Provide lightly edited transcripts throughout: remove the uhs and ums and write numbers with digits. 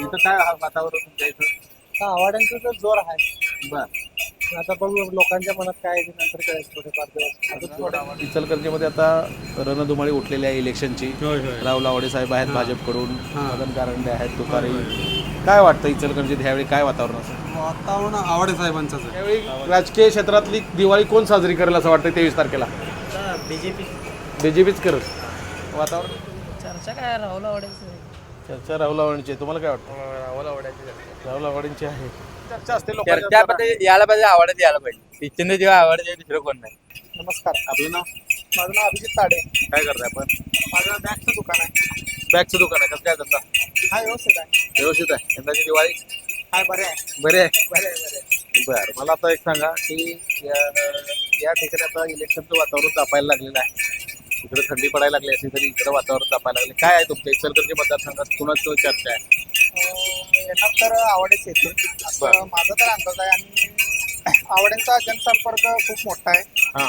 इथं काय वातावरण तुमच्या इथं? आवाड्यांचा तर जोर आहे. बर आता बघू लोकांच्या मनात काय आहे ते नंतर कळेल थोडेफार दिवस. अजून थोडे इचलकरंजीमध्ये आता रणधुमाळी उठलेली आहे इलेक्शनची. राव लावडे साहेब आहेत भाजपकडून, मदन कारंडे आहेत, तुतारी. काय वाटतं इचलकरंजीत ह्यावेळी काय वातावरण असेल? वातावरण आवडे साहेबांचंच आहे. यावेळी राजकीय क्षेत्रातली दिवाळी कोण साजरी करेल असं वाटतं 23 तारखेला? बीजेपी बीजेपीच करेल. वातावरण चर्चा काय राहुल आवडायचं चर्चा राहुल आव्हाडांची आहे. तुम्हाला काय वाटतं? राहुल आवडायची राहुल आव्हाडांची आहे. चर्चा असते चर्चा लोकांच्या. पण यायला पाहिजे, आवडत यायला पाहिजे. इच्छित जेव्हा आवडते दुसरं कोण नाही. नमस्कार, आपलं नाव माझं नाव अभिजित ताडे. काय करताय आपण? माझं बॅगचं दुकान आहे. बॅगचं दुकान आहे. कसं काय धंदा? हा व्यवस्थित आहे. व्यवस्थित आहे. यंदाची दिवाळी हाय बरे आहे. बरी आहे. बरे आहे, बरे आहे. बरं, मला आता एक सांगा की या ठिकाणी आता इलेक्शनचं वातावरण तापायला लागलेलं आहे. इकडे थंडी पडायला लागली असली तरी इकडे वातावरण तापायला लागले. काय आहे तुमच्या इचलकरंजी मतदारसंघात कुणाचं चर्चा आहे? येणार तर आवडेच येते असं माझा तर अंदाज आहे. आणि आवड्यांचा जनसंपर्क खूप मोठा आहे. हां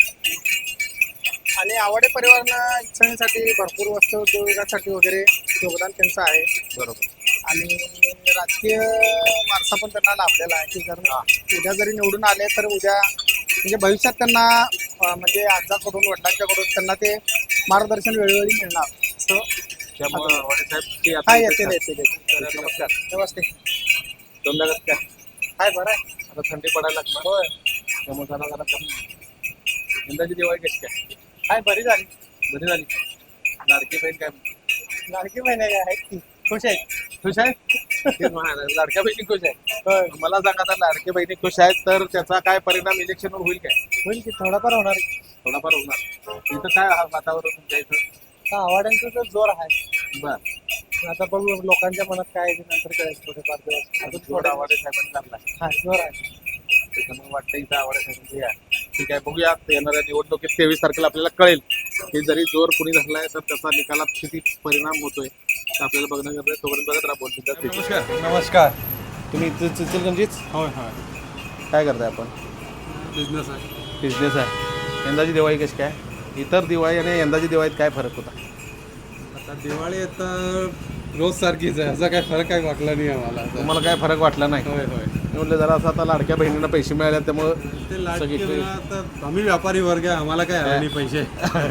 आणि आवडे परिवारानं इच्छांसाठी भरपूर वस्तू उद्योगासाठी वगैरे योगदान त्यांचं आहे. बरोबर. आणि राजकीय वारसा पण त्यांना लाभलेला आहे की जर उद्या जरी निवडून आले तर उद्या म्हणजे भविष्यात त्यांना म्हणजे आजाकडून वडिलांच्याकडून त्यांना ते मार्गदर्शन वेळोवेळी मिळणार असं. त्यामुळे आव्हाडे साहेब की हा आता येते नमस्कार. नमस्ते. दोनदा कसं काय? हाय बरं आहे. आता थंडी पडायला लागणार. होय, त्यामुळे जरा कमी. यंदाची दिवाळी कशी काय? हाय बरी झाली. बरी झाली. लाडकी बहीण काय म्हणते? लाडकी महिने आहेत की खुश आहेत. खुश आहे? तेच म्हणायला, लाडक्या बहिणी खुश आहे. होय, मला सांगा आता लाडके बहिणी खुश आहेत तर त्याचा काय परिणाम इलेक्शनवर होईल काय? होईल की थोडाफार होणार. थोडाफार होणार. इथं काय वातावरण तुमच्या इथं? आवाड्यांचा तर जोर आहे. बर आता बघू लोकांच्या मनात काय आहे ते नंतर कळेल थोडेफार दिवस. अजून थोडा थोडे आवाडे साहेबांनी लागला. हा जोर आहे. त्याच्यामुळे वाटतं इथं आवाडे साहेबांची या. ठीक आहे, बघूया येणाऱ्या निवडणुकीत 23 तारखेला आपल्याला कळेल की जरी जोर कुणी धरलाय तर त्याचा निकालात किती परिणाम होतोय तर आपल्याला बघणं गरजेचं आहे. तोपर्यंत बघत राहा बोलतो. नमस्कार. नमस्कार. तुम्ही इथं इचलकरंजीच होय होय. काय करताय आपण? बिझनेस आहे. बिझनेस आहे. यंदाची दिवाळी कशी काय? इतर दिवाळी आणि यंदाची दिवाळीत काय फरक होता? आता दिवाळी आता रोज सारखीच आहे, असा काय फरक काय वाटला नाही आम्हाला आता. तुम्हाला काय फरक वाटला नाही? होय होय. मी म्हटलं जरा असं आता लाडक्या बहिणींना पैसे मिळाले त्यामुळं ते लाडके सगळीकडे- आता आम्ही व्यापारी वर्ग आहे, आम्हाला काय आलं नाही पैसे.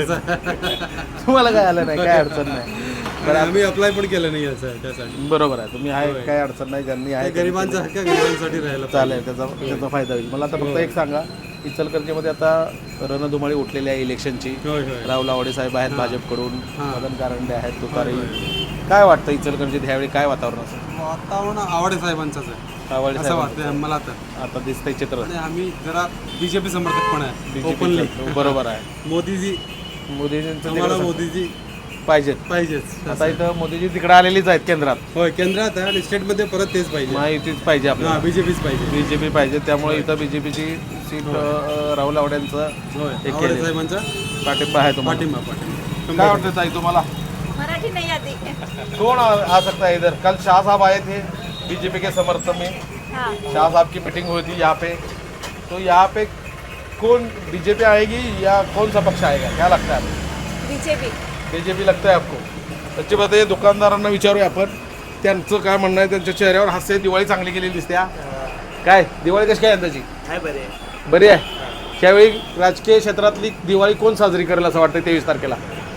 तुम्हाला काय आलं नाही, काय अडचण नाही. आणि आम्ही अप्लाय पण केलं नाही असं त्यासाठी. बरोबर आहे, तुम्ही आहे, काय अडचण नाही. ज्यांनी आहे ते गरिबांचा हक्क गरिबांसाठी राहिला चालेल, त्याचा फायदा होईल. मला आता फक्त एक सांगा, इचलकरंजीमध्ये आता रणधुमाळी उठलेली आहे इलेक्शनची. होय होय. राव लावडे साहेब आहेत भाजपकडून, हां. मदन कारंडे आहेत, तुतारी. काय वाटतं इचलकरंजीत ह्यावेळी काय वातावरण असेल? वातावरण आवडे साहेबांचाच आहे रावडे असं साहेब वाटतंय मला तर. आता दिसतंय चित्र. आणि आम्ही जरा बीजेपी समर्थक पण आहे ओपनली. BJP बरोबर आहे. मोदीजी मोदीजींचं आम्हाला तिकडं मोदीजी पाहिजेत. पाहिजेच. आता इथं मोदीजी तिकडे आलेलीच आहेत केंद्रात. होय, केंद्रात आहे आणि स्टेटमध्ये परत तेच पाहिजे. माहितीच पाहिजे हा, आपल्याला. बीजेपीच पाहिजे. बीजेपी पाहिजे, त्यामुळे इथं बीजेपीची सीट राहुल आवड्यांचं होय, एक आवडे केले. साहेबांचा पाठिंबा आहे तुम्हाला. पाठिंबा. काय वाटतं ताई तुम्हाला? मराठी नहीं आती। कौन आ सकता है इधर? कल शाह साहब आए थे बीजेपी के समर्थन में. हाँ, शाह साहब की मीटिंग हुई थी यहाँ पे. तो यहाँ पे कौन बीजेपी आएगी या कौन सा पक्ष आएगा, क्या लगता है आपको? बीजेपी। बीजेपी लगता है आपको? सच्ची बात आहे, दुकानदारांना विचारूया आपण त्यांचं काय म्हणणं आहे. त्यांच्या चेहऱ्यावर हास्य आहे. दिवाळी चांगली गेलेली दिसते. काय दिवाळी कशी काय यंदाची? बरी आहे. त्यावेळी राजकीय क्षेत्रातली दिवाळी कोण साजरी करेल असं वाटतं 23 तारखेला?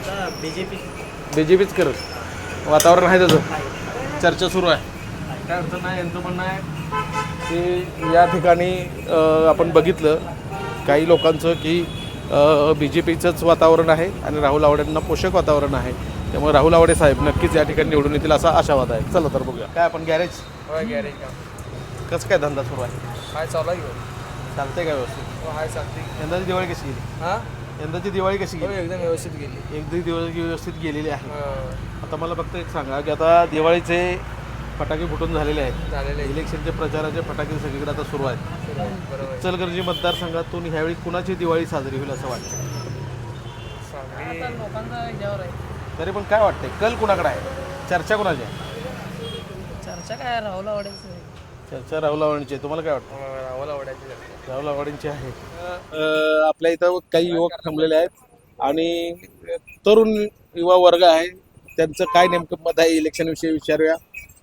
बीजेपीच करत. वातावरण आहे त्याचं, चर्चा सुरू आहे. काय अडचण नाही. यांचं म्हणणं आहे की या ठिकाणी आपण बघितलं काही लोकांचं की BJPचंच वातावरण आहे आणि राहुल आवडेंना पोषक वातावरण आहे. त्यामुळे राहुल आवडे साहेब नक्कीच या ठिकाणी निवडून येतील असा आशावाद आहे. चला तर बघूया. काय आपण गॅरेज गॅरेज कसं काय धंदा सुरू आहे? हाय चालू आहे. चालतंय का व्यवस्थित? हाय चालते. यंदाची दिवाळी कशी गेली? हा, यंदाची दिवाळी कशी गेली? एकदम व्यवस्थित गेली. एक दिवस व्यवस्थित गेलेली आहे. आता मला फक्त एक सांगा की आता दिवाळीचे फटाके फुटून झालेले आहेत. झालेले इलेक्शनचे प्रचाराचे फटाके सगळीकडे आता सुरू आहेत. बरोबर. इचलकरंजी मतदारसंघातून ह्यावेळी कुणाची दिवाळी साजरी होईल असं वाटतं? लोकांचा याच्यावर आहे. तरी पण काय वाटतंय, कल कुणाकडे आहे? चर्चा कुणाची आहे? चर्चा काय राहुल आवडायचं. चर्चा राहुल आवडींची आहे. तुम्हाला काय वाटतं? राहुल आवडायची. राहुल आवडींची आहे. आपल्या इथं काही युवक थांबलेले आहेत आणि तरुण युवा वर्ग आहे. त्यांचं काय नेमकं मत आहे इलेक्शनविषयी विचारूया.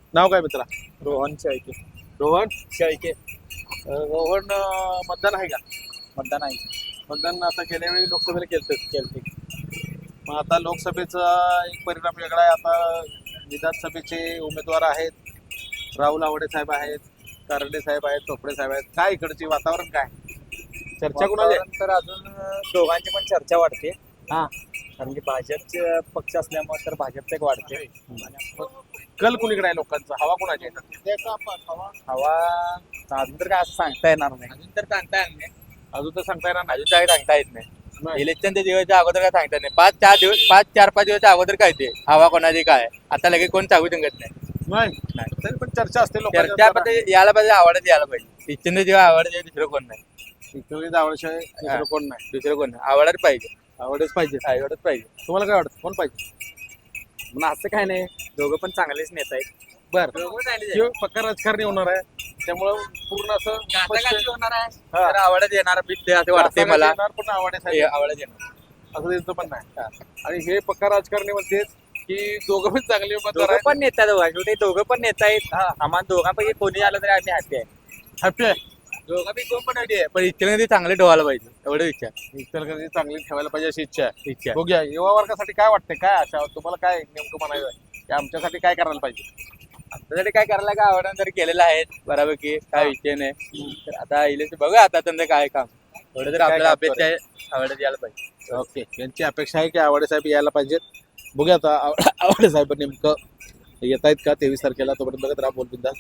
नाव काय मित्रा? रोहन शेळके. रोहन शेळके. रोहन मतदान आहे का? मतदान आहे. मतदान आता गेल्या वेळी लोकसभेला केलते. मग आता लोकसभेचा एक परिणाम वेगळा आहे. आता विधानसभेचे उमेदवार आहेत, राहुल आवडे साहेब आहेत, कारंडे साहेब आहेत, चोपडे साहेब आहेत. काय इकडची वातावरण काय? चर्चा कुणाची आहे? तर अजून दोघांची पण चर्चा वाढते. हा. कारण की भाजपचे पक्ष असल्यामुळे तर भाजपचं एक वाढते. कल कुणीकडे आहे लोकांचा? हवा कुणाची आहे? हवा अजून तर काय असं सांगता येणार नाही. अजून तर सांगता येत नाही. अजून तर सांगता येणार नाही. अजून काय सांगता येत नाही. नाही. इलेक्शनच्या दिवसाच्या अगोदर काय सांगता येत नाही. 5-4-5 दिवसच्या अगोदर काय ते हवा कोणाची काय आता लगेच कोण सांगू शकत नाही. नाही तरी पण चर्चा असते चर्चा लोकांच्या. पण यायला पाहिजे, आवडत यायला पाहिजे. इच्छित जेव्हा आवडत दुसरं कोण नाही. इकडे आवडशिवाय दुसरं कोण नाही. दुसरं कोण नाही. आवडत पाहिजे. आवडच पाहिजे. आवडत पाहिजे. तुम्हाला काय वाटतं कोण पाहिजे? पण असं काय नाही, दोघं पण चांगलेच नेता आहेत. बरं पक्का राजकारणी होणार आहे त्यामुळं पूर्ण असं स्पष्ट- होणार आहे हा. तर आवडत येणार ते असं वाटते मला. येणार पण आवडेल हे आवडत येणार. असं त्यांचं पण नाही. आणि हे पक्का राजकारणी म्हणते की दोघं पण चांगले उमेदवार दोघं आहेत. पण नेता शेवटी दोघं पण नेता आहेत. आम्हाला दोघांपैकी कोणी आलं तरी आम्ही हॅपी आहे. हॅपी आहे. दोघं बी कोण पण आहे पण इच्छेने चांगले ठेवायला पाहिजे एवढं इच्छा इचलकरंजी चांगली ठेवायला पाहिजे अशी इच्छा आहे. इच्छा बघूया युवा वर्गासाठी काय वाटतंय, काय आशा तुम्हाला, काय नेमकं म्हणायचं आहे की आमच्यासाठी काय करायला पाहिजे? आपल्यासाठी काय करायला काय आवडणार तरी केलेलं आहे बऱ्यापैकी, काय विषय नाही. तर आता इलेक्शन बघा आता त्यांचं काय काम थोडं तर आपल्याला काम अपेक्षा आहे आवडत यायला पाहिजे. ओके, यांची अपेक्षा आहे की आवडे साहेब यायला पाहिजेत. बघूया आता आवडे साहेब नेमकं येत आहेत का 23 तारखेला. तोपर्यंत बघत राहा बोलबिंदास.